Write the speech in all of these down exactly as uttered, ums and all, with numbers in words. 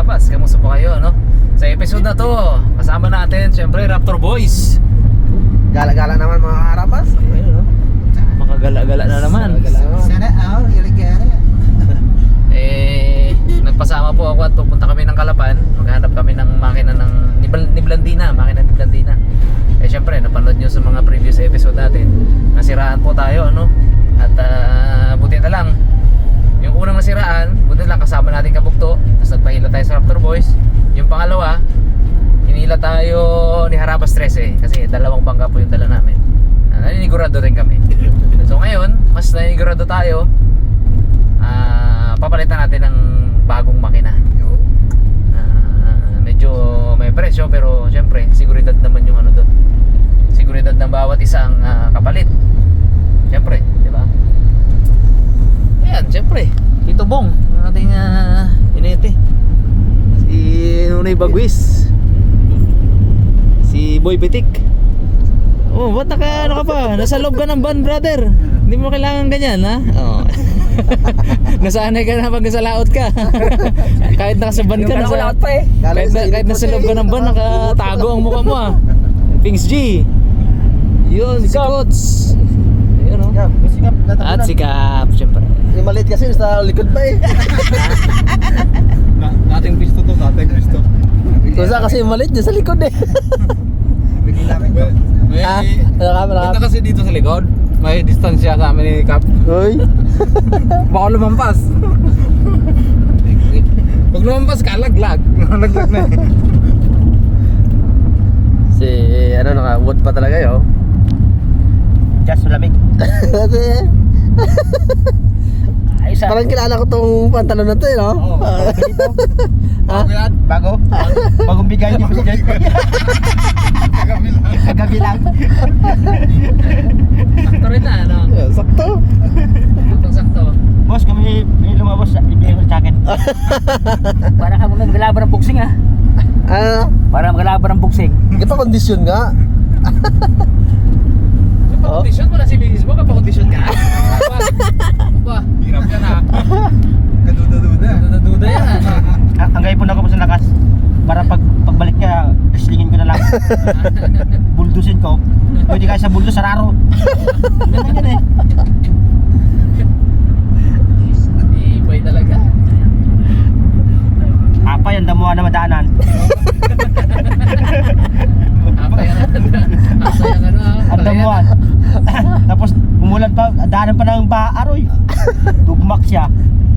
Karabas, kamusta po kayo, no? Sa episode na to, kasama natin syempre Raptor Boys. Gala-gala naman mga Karabas. Ayun, no? Makagala-gala na naman. Sana all, gala-gala. Eh, nagpasama po ako at pupunta kami ng Calapan. Maghanap kami ng makina ng ni, Bal- ni Blandina, makina ni Blandina. Eh syempre, napanood nyo sa mga previous episode natin, nasiraan po tayo, no? At uh, buti na lang, yung unang nasiraan, buti na lang kasama natin kabukto. Tapos nagpahila tayo sa Raptor Boys. Yung pangalawa, hinila tayo ni Harabas trese kasi dalawang bangka po yung dala namin. uh, Naninigurado rin kami. So ngayon, mas naninigurado tayo. uh, Papalitan natin ng bagong makina. uh, Medyo may presyo pero syempre, seguridad naman yung ano doon. Seguridad ng bawat isang uh, kapalit. Syempre, di ba? Ayan, syempre, Tito Bong, ang ating uh, inete. Si Nunay Bagwis. Si Boy Pitik. Oh, ba't naka, ano ka pa? Nasa loob ka ng van, brother. Hindi mo kailangan ganyan, ha? Oo. Nasanay ka na pag nasa laot ka. Kahit nasa van ka, nasa, laot pa eh. kahit, na, kahit nasa loob ka ng van, nakatago ang mukha mo, ha? Pings G. Yun, si Kots. Ayun, oh. Sikap, At si Kap, syempre. yung maliit kasi sa likod pa eh. Na, dating pisto to, dating pisto. Kusa kasi yung maliit niya sa likod eh. May, may, Ah, nakam, nakam. punta kasi dito sa likod. May distansya sa amin ni Cap. Uy. Baka lumampas. Pag lumampas ka, laglag. Laglag na eh. Si ano, naka-wood pa talaga yun. Just malamig. Kasi parang kilala ko tong pantalon na to eh, no? Oo. Ha? Bago? Bagong bigay niyo kasi guys. Kagabi lang. Kagabi lang. Sakto rin na, ano? Sakto. Saktong sakto. Boss, kami may lumabas sa ibigay ko sa akin. Para ka mga magalaban ng boxing ah. Ah, Para magalaban ng boxing. hindi pa kondisyon nga. Kapakondisyon mo na si Bigis mo, kapakondisyon ka? Ba? Ba? Hirap yan ha. Kaduda-duda. Duda-duda yan, ano? Ang, ang gayipon ako po sa lakas. Para pag pagbalik ka, islingin ko na lang. Buldusin ko. Pwede kayo sa buldos, sararo. Ganun yun eh. Ibay talaga. Apa yan, damuhan na madaanan. Apa yan? Apa yan, ano? Ang damuhan. Tapos umulan pa, daanan pa ng baaroy. Tugmak siya.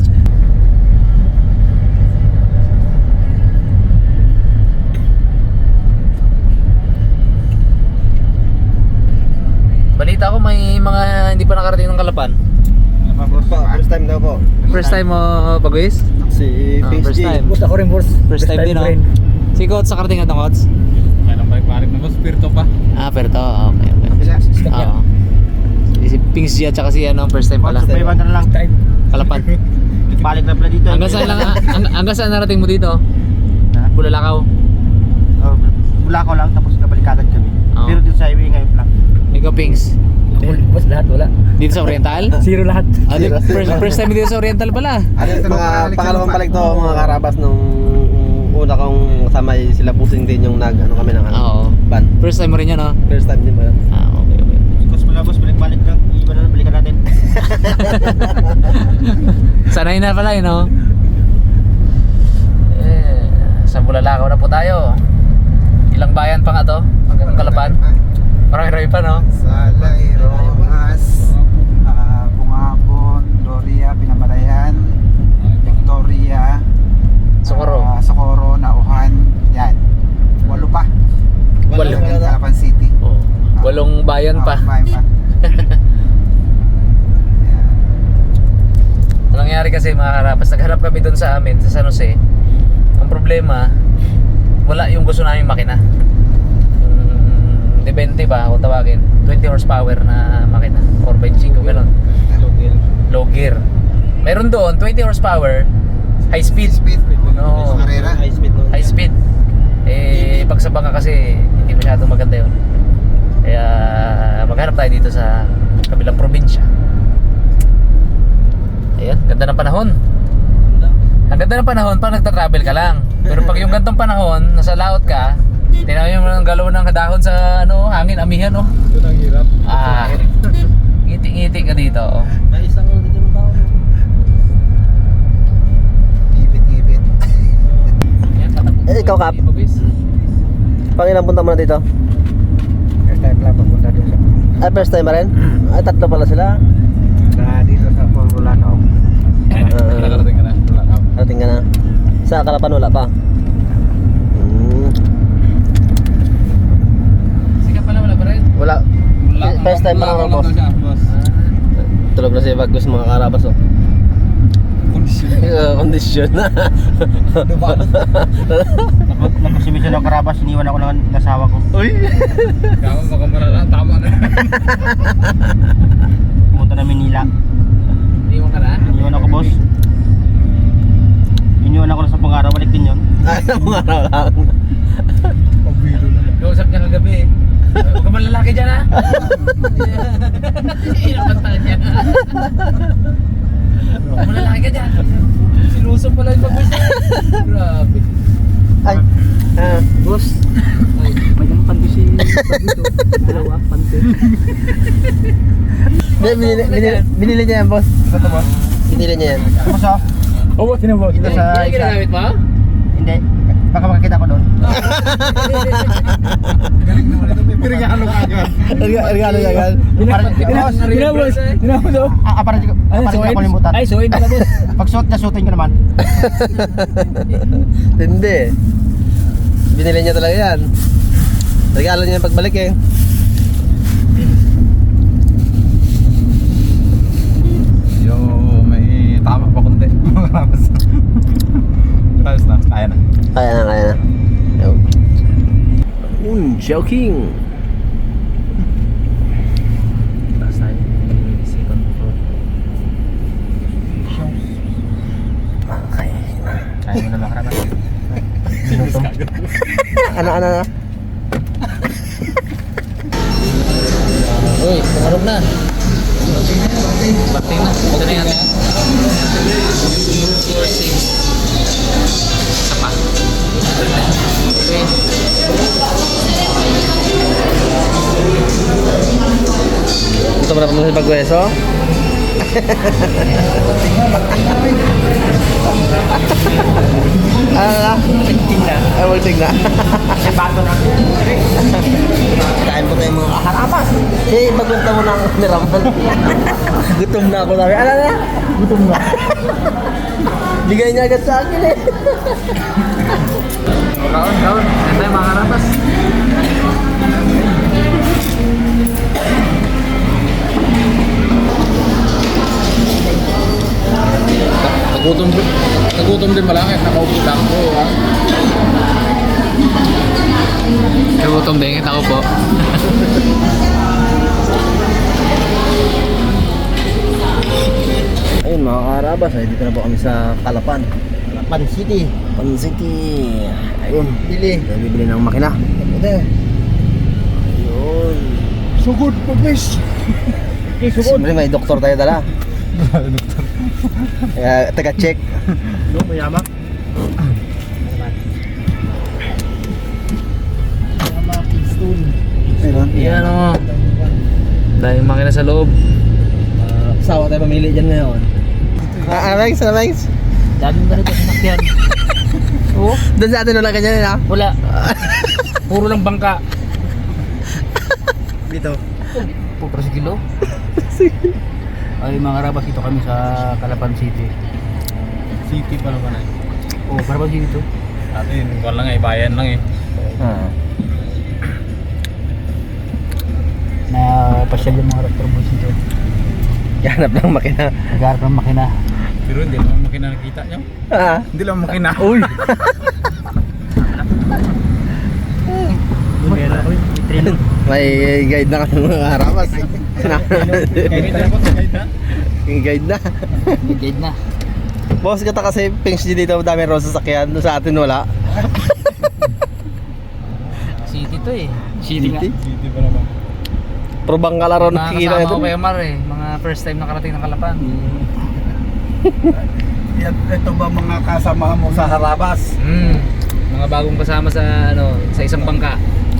Balita ko may mga hindi pa nakarating ng Calapan. First time daw po. First time mo, Bagwis? Si Ah, Pings first G. time. Boss, ako rin boss. First time din, no? Si Kots, nakarating ka ng Kots? Kailan balik-balik na boss, spirito pa. Ah, pero to, okay, okay. Oo. Si Pings G at saka si ano, first time pala. May banda na lang. Calapan. Balik na pala dito. Hanggang saan lang, hang- hanggang saan narating mo dito? Ha? Bulalakaw. Oh, Bulacau lang, tapos nabalik agad kami. Oo. Pero dito sa highway ngayon lang. Ikaw, Pings. Boss, lahat wala. Dito sa Oriental? Zero lahat. Ah, di, first, first time dito sa Oriental pala. Mga pangalawang balik to mga Karabas nung una kong kasama sila Pusing din yung nag ano kami ng ano. Oo. Ban. First time mo rin yun, no? First time din ba yun? Ah, okay, okay. Boss, wala boss, balik-balik lang. Iba na lang, balikan natin. Sanay na pala, yun, no? Eh, sa Bulalakaw na po tayo. Ilang bayan pa nga to? Hanggang Calapan? Marami-rami pa, no? Salay, Rojas, uh, Bungabon, Doria, Pinamalayan, Victoria, Socorro. ah, Socorro, Nauhan, yan. Walo pa. Walo. Hanggang Calapan City. Oh, walong bayan pa. Ah, bayan pa. Yan. Ang nangyari kasi mga Karabas, nagharap kami doon sa amin, sa San Jose. Ang problema, wala yung gusto namin makina. Yung twenty ba, kung tawagin, twenty horsepower na makina, four by five, gano'n. Low gear. Meron doon, twenty horsepower, high speed. Speed. No. Carrera. High speed. no? High speed. Eh, pag sa bangka kasi, hindi masyadong maganda yun. Kaya, maghanap tayo dito sa kabilang probinsya. Ayan, ganda ng panahon. Ang ganda ng panahon pag nagta-travel ka lang. Pero pag yung gantong panahon, nasa laot ka, tinaw mo ng galaw ng dahon sa ano, hangin, amihan oh. Yun ang hirap. Ah, ngiti-ngiti ka dito oh. May isang dito ng tao. Ibit-ibit. Yan, patabog. Eh, ikaw, Kap? Ibabis. Pang ilang punta mo na dito? First time lang papunta doon sa... Ay, first time pa rin? Ay, tatlo pala sila. Na dito sa Pangulanaw. Uh, Nakarating ka na. Wala ka. Arating ka na. Sa Kalapan wala pa. Hmm. Sikat pala, wala pa rin. Wala. Wala. First time pa Wala lang, lang boss. daw siya, boss. Tulog na si Bagus mga karabas oh. Kondisyon. Uh, kondisyon na. Nagkasimisyon ng Karabas, iniwan ako ng ng asawa ko. Uy. Kaya baka marala. Tama na. Pumunta na Manila. Iniwan ka na? Iniwan ako, boss. Iniwan ako na sa pangaraw, balik din yun. Ay, mga araw lang. Pabilo na. Kausap niya kagabi eh. Huwag ka man lalaki dyan ha? Inapanta niya. Huwag ka man lalaki ka dyan. Silusong pala yung pag-wis niya. Grabe. Ay. Ah, boss. Ay, may nang panto si Pagwito. Dalawa, panto. Hindi, binili, binili, binili niya yan, boss. Ito, boss. Binili niya yan. Boss, oh. Oh, boss, tinabot. Ito sa Hindi isa. ginagamit mo? Hindi. Baka makakita ko doon. Galing naman ito. May regalo ka agad. Regalo niya yan. Parang, boss, Ginabos. Tinabot daw. ah, ah, parang, parang hindi ako limutan. Ay, suwain pala, boss. Pag suot na, suotin ko naman. Hindi. Binili niya talaga yan. Regalo niya yung pagbalik eh. Yo, may tama pa konti. Tapos na, kaya na. Kaya na, kaya na. Yo. Mm, joking. Taas tayo. Second floor. Okay. Kaya mo na mga Karabas. Ano, ano, ano? Uy, tumarog na. Bakti na. Ito na yan. Floor six. Isa pa. Okay. Gusto mo na pumunta sa Bagweso? Ano na? Tingting na. Ay, walting na. Sa bato na. Kain po tayo mga kaharabas. Eh, magunta mo na ang niraman. Gutom na ako sabi. Ano na? Gutom na. Bigay niya agad sa akin eh. Kaon, kaon. Yan tayo mga karapas. Nagutom, nagutom din malaki. Nakaupo lang ko, ha? Nagutom din, kita ko po. Ayun mga kaharabas, ay dito na po kami sa Kalapan. Pan City. Pan City. Ayun. Bili. Tayo bibili ng makina. Ito. Ayun. Sugod, pag-wish. Siyempre may doktor tayo dala. Kaya taga-check. No, mayama. Ayun. Yan o. Dahil makina sa loob. Sawa tayo pamili dyan ngayon. Ah, Alex, Alex. Daming ba nito sinakyan? Oo. Doon sa atin wala ganyan ha? Wala. Puro lang bangka. Dito. Pupra sa kilo. Ay mga karabas, ito kami sa Calapan City. City pa naman eh. Oo, Calapan City to. Atin, wala lang eh, bayan lang eh. Ah. Na pasyal yung mga raptor boys dito. Hanap ng makina. Nagharap ng makina. Pero hindi naman makina nakita nyo. Ah. Hindi lang makina. Uy. May guide na kami mga harapas. Kahit na po, kahit na. Yung guide na. Guide na. Boss, kata kasi Pings G dito dami ron sasakyan. Doon sa atin wala. City to eh. City. City pa naman. Pero bangka laro Mga nakikita kasama ito. ko kay Mar eh. Mga first time nakarating ng Calapan. Yan, ito ba mga kasama mo sa Harabas? Mm. Mga bagong kasama sa ano, sa isang bangka.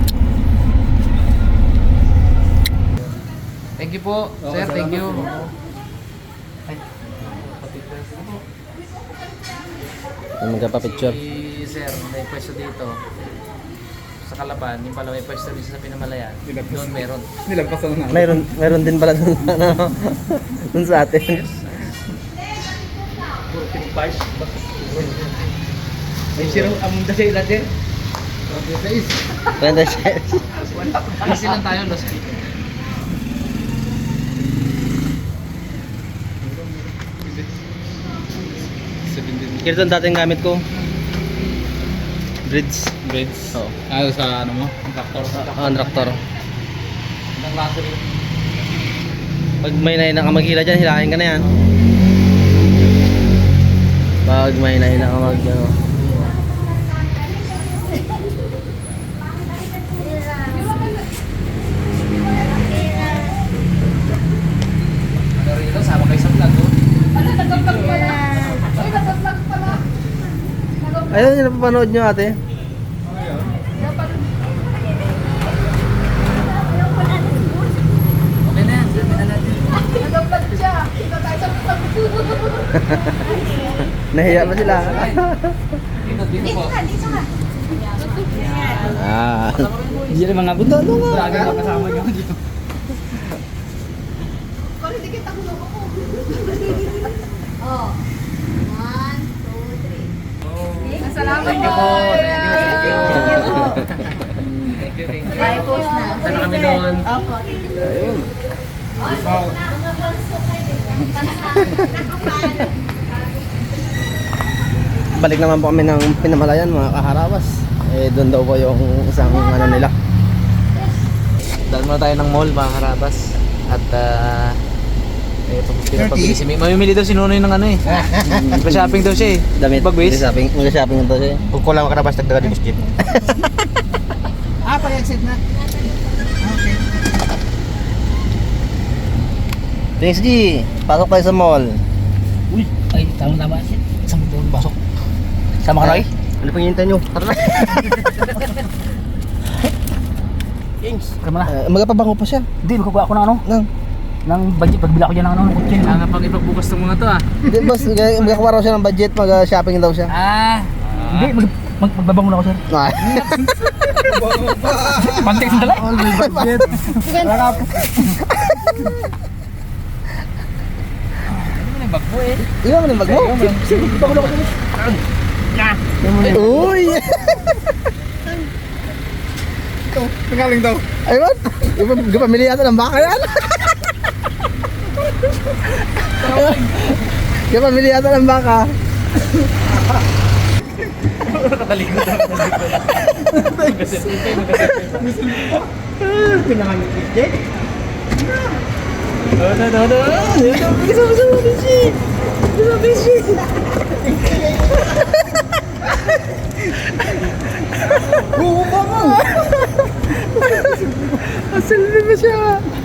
Thank you po, sir. Thank you. Yung magpapicture. Si sir, may pwesto dito. Sa Kalapan, yung pala may pwesto dito sa Pinamalayan. Doon meron. Nilagpasan na. Mayroon, mayroon din pala dun, ano, dun sa atin. May sirong among dasi natin. Renda shares. Easy lang tayo, Los. Kaya ito ang dating gamit ko. Bridge. Beds. Oo. Ah, sa ano mo? Ang traktor. Oh, ang traktor. Ng laso rin. Pag may nahina ka maghila dyan, hilahin ka na yan. Pag may nahina ka mag, ano. Ano rin ito, sama kayo sa vlog, oh. Ayun yung napapanood nyo ate. Okay na yan, sabi na natin. Nahiya pa sila. Dito, dito po. Ah. Hindi rin mga buto. Ano nga? Lagi na kasama niyo dito. Thank you po. Thank you, thank you. Thank you, thank you. Saan na kami doon? Balik naman po kami ng Pinamalayan mga kaharabas. Eh doon daw po yung isang ano nila. Daan muna tayo ng mall, mga karabas. At uh, eh, pinapabili si May. Mamimili daw si Nonoy ng ano eh. Pa-shopping daw siya eh. Damit. Bagwis. Mag-shopping. Mag-shopping ito siya. Kung kulang ka na basta dagdag di gusto. Ah, pa-exit na. Okay. Thanks G. Pasok tayo sa mall. Uy, ay tama-tama. Isang buong basok. Sama ka, Roy? Ano pang hinihintay nyo? Tara na. Kings, kama na. Uh, Magapabango pa siya. Hindi, magkukuha ako ng ano? Nang. Ng budget, pagbila ko dyan ng ano, ng kutsin. Kailangan pang ipagbukas ng mga to ah. Di boss, gaya- magkakuha raw siya ng budget. Mag-shopping daw siya. Ah. Hindi, mag, mag, magbabango na ako, sir. Ah. Pantik sa dala. All may budget. Bagbo eh. Iwan mo na yung bag mo. Uy! Pingaling daw. Ayun! Gapamili yata ng baka yan! Gapamili yata ng baka. Nakalikot ako. No, no, no, no! Kasama sa mga bishi! Kasama bishi! Oo ba mo? Asal na ba siya?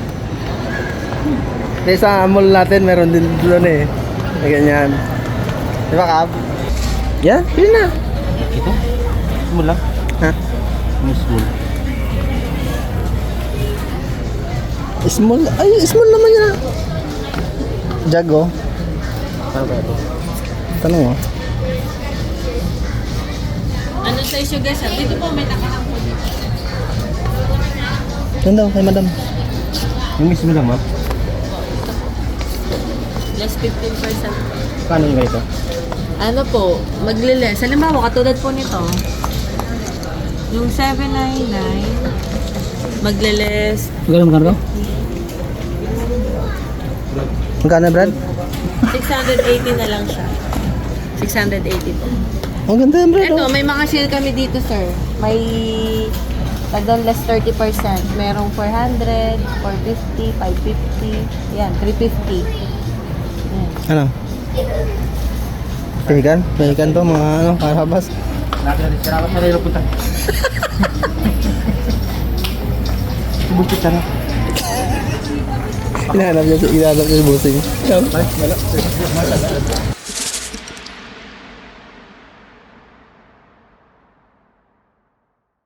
Eh, sa mall natin, meron din doon eh. Na ganyan. Di ba, Kap? Yan, yun na. Ito? Small lang. Ha? Small. Small? Ay, small naman yan. Jago. Ano ba ito? Tanong mo. Ano size yung guys? Dito po may nakahang po dito. Yan daw, kay madam. Yung mismo lang, ma. Less fifteen percent. Kano yung ganito? Ano po, magliles. Halimbawa, katulad po nito. Yung seven ninety-nine, magliles. Gano'n magkano daw? Magkano, Brad? six eighty na lang siya. six eighty po. Ang ganda yan, Brad. Ito, may mga sale kami dito, sir. May tagdon less thirty percent. Merong four hundred, four fifty, five fifty. Yan, three fifty. Yan. Ano? Pahigan? Pahigan to, mga ano, karabas. Natin natin. Salamat na rin punta. Bukit ka na. Hinahanap niya, hinahanap niya si Busing.